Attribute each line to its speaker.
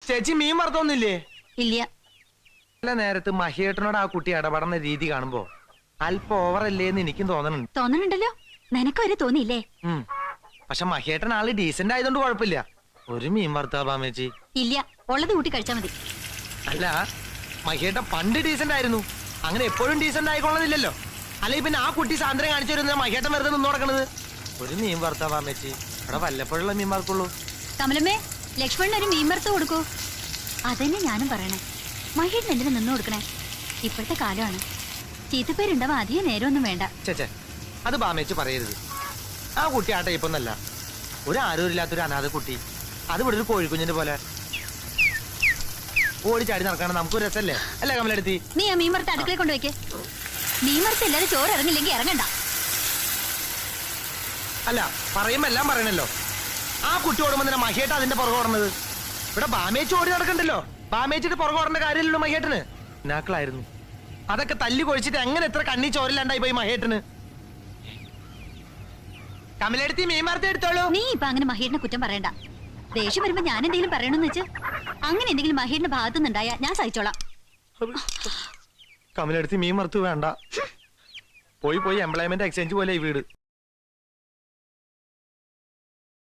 Speaker 1: ചേച്ചി മീൻ വറുത്തൊന്നില്ലേ?
Speaker 2: ഇല്ല.
Speaker 1: നല്ല നേരത്ത് മഹിയേട്ടനോട് ആ കുട്ടി ഇടപെടുന്ന രീതി കാണുമ്പോ അല്പം ഓവറല്ലേന്ന് എനിക്കും തോന്നണുണ്ട്.
Speaker 2: തോന്നണുണ്ടല്ലോ, നിനക്ക് വരെ തോന്നിയില്ലേ?
Speaker 1: പക്ഷെ മഹിയേട്ടൻ ആള് ഡീസന്റ് ആയതുകൊണ്ട് കുഴപ്പമില്ല. ഒരു മീൻ വറുത്താ ബാമേച്ചി?
Speaker 2: ഇല്ല, ഉള്ളത് കൂട്ടി കഴിച്ചാ മതി.
Speaker 1: അല്ല, മഹിയേട്ടൻ പണ്ട് ഡീസന്റ് ആയിരുന്നു, അങ്ങനെ എപ്പോഴും ഡീസന്റ് ആയിക്കൊള്ളുന്നില്ലല്ലോ. അല്ലെങ്കിൽ പിന്നെ ആ കുട്ടി സാന്ദ്രം കാണിച്ചു വരുന്ന മഹിയേട്ടൻ വെറുതെ നിന്ന് നടക്കണത്. ഒരു മീൻ വറുത്താ ബാമേച്ചി? ഇവിടെ വല്ലപ്പോഴുള്ള മീൻ വറുക്കുള്ളൂ.
Speaker 2: കമലമ്മേ, ലക്ഷ്മണൻ ഒരു മീൻ വറുത്ത് കൊടുക്കൂ. അതന്നെ ഞാനും പറയണേ. മഹിയേട്ടൻ എന്തിനു നിന്ന് കൊടുക്കണേ? ഇപ്പോഴത്തെ കാലമാണ്, ചീത്തപ്പേരുണ്ടാവാൻ അധികം നേരമൊന്നും വേണ്ട.
Speaker 1: ചേച്ചേ, അത് ബാമേച്ചി പറയരുത്. ആ കുട്ടി ആ ടൈപ്പൊന്നല്ല, ഒരു ആരോഗ്യമില്ലാത്തൊരു അനാഥ കുട്ടി. അത് ഇവിടെ ഒരു കോഴിക്കുഞ്ഞിന്റെ പോലെ ഓടിച്ചാടി നടക്കണം. നമുക്കൊരു രസല്ലേ അല്ലേ കമലെടുത്തി?
Speaker 2: നീ ആ മീൻ വറുത്ത് അടുക്കളയിൽ കൊണ്ടുവയ്ക്ക്. മീൻ വറുത്ത് ഇല്ലാതെ ചോറ് ഇറങ്ങില്ലെങ്കിൽ ഇറങ്ങണ്ട.
Speaker 1: അല്ല, പറയുമ്പോ എല്ലാം പറയണല്ലോ. ആ കുട്ടി ഓടുമ്പോ തന്നെ മഹിയേട്ട അതിന്റെ പുറകെ ഓടണത്. ഇവിടെ ബാമേച്ചി ഓടി നടക്കണ്ടല്ലോ. ബാമേച്ചിട്ട് പുറകെ ഓടേണ്ട കാര്യമില്ലല്ലോ മഹിയേട്ടന്. നാക്കളായിരുന്നു അതൊക്കെ തല്ലി കൊഴിച്ചിട്ട് എങ്ങനെ എത്ര കണ്ണി ചോരില്ലാണ്ടായി പോയി മഹിയേട്ടന്. കമലെടുത്തി മീൻ വറുത്ത് എടുത്തോളൂ.
Speaker 2: നീ ഇപ്പൊ അങ്ങനെ മഹിയേട്ടനെ കുറ്റം പറയണ്ട. ദേഷ്യം വരുമ്പോ ഞാൻ എന്തെങ്കിലും പറയണമെന്ന് വെച്ച് അങ്ങനെ എന്തെങ്കിലും മഹിയേട്ടന്റെ ഭാഗത്തുനിന്നുണ്ടായാ ഞാൻ സഹിച്ചോളാം.
Speaker 1: കമലെടുത്തി മീൻ വറുത്ത് വേണ്ട. പോയി എംപ്ലോയ്മെന്റ് എക്സ്ചേഞ്ച് പോലെ ഈ വീട്.